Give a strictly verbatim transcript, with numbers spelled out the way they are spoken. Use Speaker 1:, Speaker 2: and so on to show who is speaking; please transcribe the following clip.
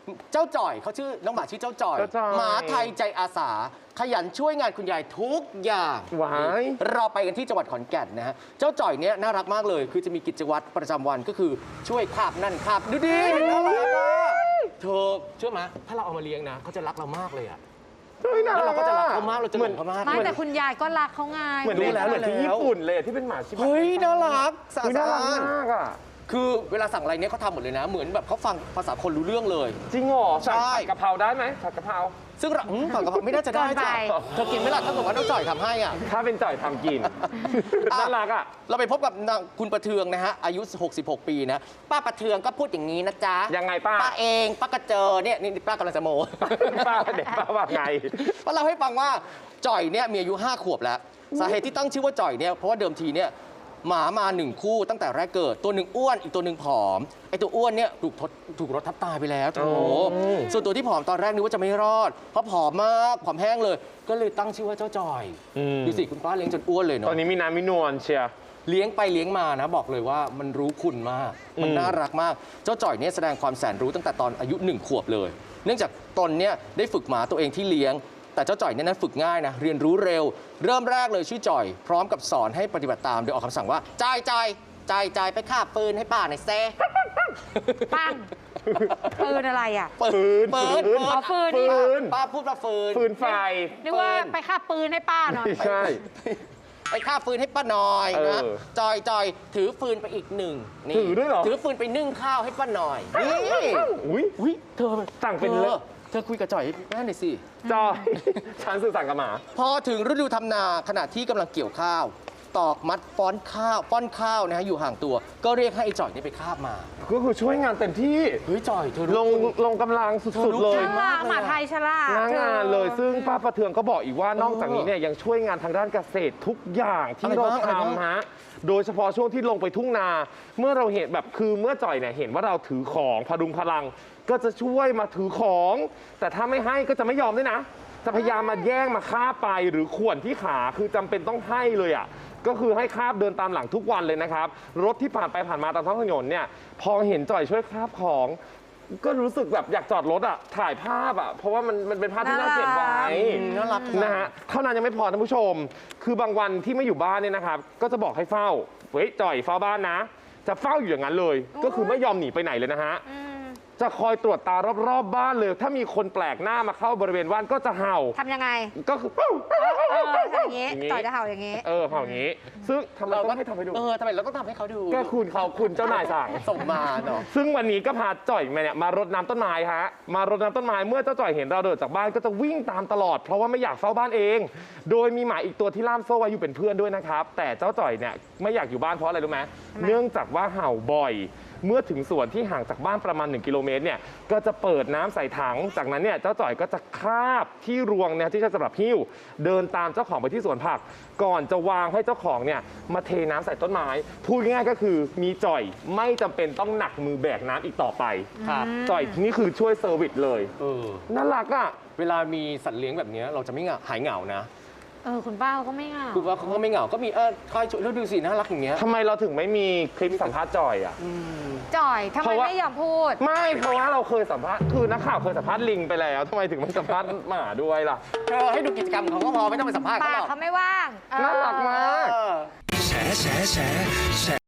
Speaker 1: เจ้าจ่อยเขาชื่อน้องหมาชื่อเจ้าจ่อยหมาไทยใจอาสาขยันช่วยงานคุณยายทุกอย่าง
Speaker 2: ว้าย
Speaker 1: เราไปกันที่จังหวัดขอนแก่นนะฮะเจ้าจ่อยเนี้ยน่ารักมากเลยคือจะมีกิจวัตรประจำวันก็คือช่วยคาบนั่นคาบดูดิน่ารักอ่ะเธอเชื่อไหมถ้าเราเอามาเลี้ยงนะเขาจะรักเรามากเลยอ่ะแล้วเราก็จะรักเขามากเราจะหลงเขามาก
Speaker 3: ไม่แต่คุณยายก็รักเขาไง
Speaker 2: เหมือนรู้แล้วเหมือนที่ญี่ปุ่นเลยที่เป็นหมาชิบะ
Speaker 1: เฮ้ยน่ารักสะ
Speaker 2: น่ารัก
Speaker 1: อาด
Speaker 2: มากอ่ะ
Speaker 1: คือเวลาสั่งอะไรเนี้ยเขาทำหมดเลยนะ เหมือนแบบเขาฟังภาษาคนรู้เรื่องเลย
Speaker 2: จริงเหรอ
Speaker 1: ใช่
Speaker 2: ผัดกะเพราได้ไหมผัดกะเพรา
Speaker 1: ซึ่งเราอืมฝั่งกับไม่น่าจะได้จ้ะเธอกินไหมล่ะถ้าบอกว่าน้องจ่อยทำให้อ่ะ
Speaker 2: ถ้าเป็นจ่อยทำกิน น่ารักอ่ะ
Speaker 1: เราไปพบกับนางคุณประเทืองนะฮะอายุหกสิบหกปีนะป้าประเทืองก็พูดอย่างนี้นะจ๊ะ
Speaker 2: ยังไงป้า
Speaker 1: ป้าเองป้ากระเจอเนี่ยนี่ป้ากำลังจะโม
Speaker 2: ป้าเด็กป้าว่าไง
Speaker 1: ป้าเล่าให้ฟังว่าจ่อยเนี่ยมีอายุห้าขวบแล้วสาเหตุที่ตั้งชื่อว่าจ่อยเนี่ยเพราะว่าเดิมทีเนี่ยหมามาหนึ่งคู่ตั้งแต่แรกเกิดตัวหนึ่งอ้วนอีกตัวหนึ่งผอมไอตัวอ้วนเนี่ยถูกทดถูกรถทับตายไปแล้วโถส่วนตัวที่ผอมตอนแรกนึกว่าจะไม่รอดเพราะผอมมากผอมแห้งเลย ก็เลยตั้งชื่อว่าเจ้าจ่อยดูสิคุณป้าเลี้ยงจนอ้วนเลยเนาะ
Speaker 2: ตอนนี้มีน้ำมีนวลเชียร์
Speaker 1: เลี้ยงไปเลี้ยงมานะบอกเลยว่ามันรู้คุณมาก มันน่ารักมาก เจ้าจ่อยเนี่ยแสดงความแสนรู้ตั้งแต่ตอนอายุหนึ่งขวบเลย เนื่องจากตนเนี่ยได้ฝึกหมาตัวเองที่เลี้ยง แต่เจ้าจ่อยเนี่ยนั้นฝึกง่ายนะเรียนรู้เร็ว เริ่มแรกเลยชื่อจ่อย พร้อมกับสอนให้ปฏิบัติตามโดยออกคำสั่งว่าจ่ายจ่ายจ่ายจ่ายไปฆ่าปืนให้ป้าหน่อยเซ่
Speaker 3: ปังปืนอะไรอ่ะ
Speaker 1: ปืนปืน
Speaker 3: อ๋อฟืน
Speaker 2: ฟืน
Speaker 1: ป้าพูดว่าฟืน
Speaker 2: ฟืนไฟ
Speaker 3: นึกว่าไปฆ่าปืนให้ป้าหน่อย
Speaker 2: ไม่ใช่
Speaker 1: ไปฆ่าฟืนให้ป้าหน่อยนะ
Speaker 2: เออ
Speaker 1: จอยจอยถือฟืนไปอีกหนึ่งนี่
Speaker 2: ถือด้วยเหรอ
Speaker 1: ถือฟืนไปนึ่งข้าวให้ป้าหน่อยนี่
Speaker 2: อุ้ย
Speaker 1: อุ้ยเธอ
Speaker 2: สั่งเป็น
Speaker 1: เธ
Speaker 2: เล
Speaker 1: อย เธอคุยกับจ่อยแม่หน่อยสิ
Speaker 2: จอยฉันสื่อสั่งกับหมา
Speaker 1: พอถึงฤดูทำนาขณะที่กำลังเกี่ยวข้าว ตอกมัดฟ้อนข้าวป้อนข้าวนะฮะอยู่ห่างตัว ก็เรียกให้ไอ้จ่อยนี่ไปคาบมา
Speaker 2: ก็คือช่วยงานเต็มที่
Speaker 1: เฮ้ยจ่อยเธอ
Speaker 2: ล
Speaker 1: รู้
Speaker 2: งลงกำลังสุดๆเลย
Speaker 3: น่ารักหมาไทยฉลาด
Speaker 2: หน้างานเลยซึ่งป้าประเทืองก็บอกอีกว่านอกจากนี้เนี่ยยังช่วยงานทางด้านเกษตรทุกอย่างที่เราทำฮะโดยเฉพาะช่วงที่ลงไปทุ่งนา เมื่อเราเห็นแบบคือเมื่อจ่อยเนี่ยเห็นว่าเราถือของพดุงพลัง ก็จะช่วยมาถือของ แต่ถ้าไม่ให้ก็จะไม่ยอมด้วยนะ จะพยายามมาแย่งมาฆ่าไปหรือข่วนที่ขาคือจำเป็นต้องให้เลยอ่ะก็คือให้คาบเดินตามหลังทุกวันเลยนะครับรถที่ผ่านไปผ่านมาตามท้องถนนเนี่ยพอเห็นจ่อยช่วยคาบของ ก็รู้สึกแบบอยากจอดรถอ่ะถ่ายภาพอ่ะเพราะว่ามันมันเป็นภาพที่น่าเก็บไว้
Speaker 1: น่ารัก
Speaker 2: นะฮะเท่านั้นยังไม่พอท่านผู้ชม คือบางวันที่ไม่อยู่บ้านเนี่ยนะครับก็จะบอกให้เฝ้าเฮ้ยจ่อยเฝ้าบ้านนะ จะเฝ้าอยู่อย่างนั้นเลย ก็คือไม่ยอมหนีไปไหนเลยนะฮะจะคอยตรวจตารอบๆบบ้านเลย ถ้ามีคนแปลกหน้ามาเข้าบริเวณบ้านก็จะเห่า
Speaker 3: ทำยังไง
Speaker 2: ก็คือ
Speaker 3: เออทำอย่างงี้
Speaker 2: อย่างงี้
Speaker 3: ต่อยจะเห่าอย่างงี้
Speaker 2: เออเห่าอย่างนี้ ซึ่งทำไมต้องให้ทำให้ดู
Speaker 1: เออทำไมเราต้องทำให้เขาดู
Speaker 2: ก็คุณเขาคุณเจ้านายสั่ง
Speaker 1: ส่งมาเนาะ
Speaker 2: ซึ่งวันนี้ก็พาจ่อยมาเนี่ยมารดน้ำต้นไม้ฮะมารดน้ำต้นไม้เมื่อเจ้าจ่อยเห็นเราเดินจากบ้านก็จะวิ่งตามตลอด เพราะว่าไม่อยากเฝ้าบ้านเอง โดยมีหมาอีกตัวที่ล่ามโซ่ไว้อยู่เป็นเพื่อนด้วยนะครับแต่เจ้าจ่อยเนี่ยไม่อยากอยู่บ้านเพราะอะไรรู้ไหม
Speaker 3: ทำไม
Speaker 2: เนื่องจากว่าเห่าบ่อย เมื่อถึงส่วนที่ห่างจากบ้านประมาณหนึ่งกิโลเมตรเนี่ยก็จะเปิดน้ำใส่ถังจากนั้นเนี่ยเจ้าจ่อยก็จะคาบที่รวงเนี่ยที่ใช้สำหรับหิ้วเดินตามเจ้าของไปที่สวนผัก ก่อนจะวางให้เจ้าของเนี่ยมาเทน้ำใส่ต้นไม้พูดง่ายๆก็คือมีจ่อยไม่จำเป็นต้องหนักมือแบกน้ำอีกต่อไป
Speaker 1: ครับ
Speaker 2: จ่อยนี่คือช่วยเซอร์วิสเลย
Speaker 1: เออ
Speaker 2: น่ารักอ่ะ
Speaker 1: เวลามีสัตว์เลี้ยงแบบนี้เราจะไม่เหงาหายเหงานะ
Speaker 3: เออคุณป้าเขาก็ไม่เหงา
Speaker 1: คือว่าเขาก็ไม่เหงาก็มีเออคอยช่วยแล้วดูสิน่ารักอย่างเงี้ย
Speaker 2: ทำไมเราถึงไม่มีคลิปสัมภาษณ์จ่อยอ่ะ
Speaker 3: จ่อยทำ
Speaker 2: เพ
Speaker 3: ไม
Speaker 2: ราะว่า
Speaker 3: ไม่ยอมพูด
Speaker 2: ไม่เพราะว่าเราเคยสัมภาษณ์คือนักข่าวเคยสัมภาษณ์ลิงไปแล้วทำไมถึงไม่สัมภาษณ์หมาด้วยล่ะ
Speaker 1: เธอให้ดูกิจกรรมของเขาก็พอไม่ต้องไปสัมภาษณ์เขา
Speaker 3: ปา
Speaker 1: ห
Speaker 3: ก
Speaker 1: รอก
Speaker 3: เขาไม่ว่างเออ
Speaker 2: น่ารักมาก
Speaker 1: เออ
Speaker 4: แฉแฉแฉแฉ